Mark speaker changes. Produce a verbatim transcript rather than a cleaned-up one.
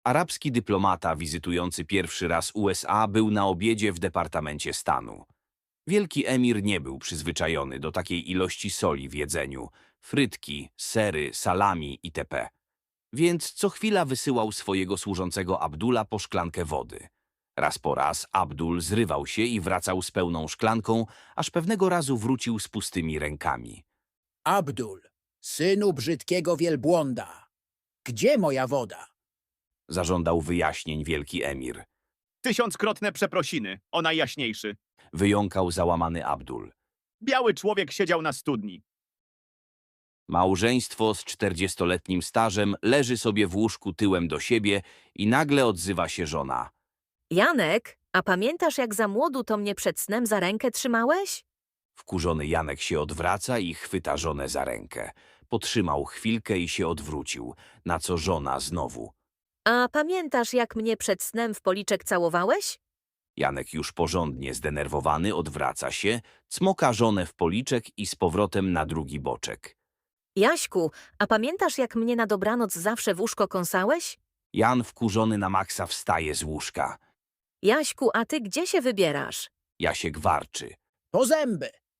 Speaker 1: Arabski dyplomata wizytujący pierwszy raz U S A był na obiedzie w Departamencie Stanu. Wielki emir nie był przyzwyczajony do takiej ilości soli w jedzeniu, frytki, sery, salami itp. Więc co chwila wysyłał swojego służącego Abdula po szklankę wody. Raz po raz Abdul zrywał się i wracał z pełną szklanką, aż pewnego razu wrócił z pustymi rękami.
Speaker 2: Abdul, synu brzydkiego wielbłąda, gdzie moja woda?
Speaker 1: Zażądał wyjaśnień wielki emir.
Speaker 3: Tysiąckrotne przeprosiny, o najjaśniejszy.
Speaker 1: Wyjąkał załamany Abdul.
Speaker 3: Biały człowiek siedział na studni.
Speaker 1: Małżeństwo z czterdziestoletnim stażem leży sobie w łóżku tyłem do siebie i nagle odzywa się żona.
Speaker 4: Janek, a pamiętasz, jak za młodu to mnie przed snem za rękę trzymałeś?
Speaker 1: Wkurzony Janek się odwraca i chwyta żonę za rękę. Potrzymał chwilkę i się odwrócił, na co żona znowu.
Speaker 4: A pamiętasz, jak mnie przed snem w policzek całowałeś?
Speaker 1: Janek już porządnie zdenerwowany odwraca się, cmoka żonę w policzek i z powrotem na drugi boczek.
Speaker 4: Jaśku, a pamiętasz, jak mnie na dobranoc zawsze w łóżko kąsałeś?
Speaker 1: Jan wkurzony na maksa wstaje z łóżka.
Speaker 4: Jaśku, a ty gdzie się wybierasz?
Speaker 1: Jasiek warczy.
Speaker 2: Po zęby,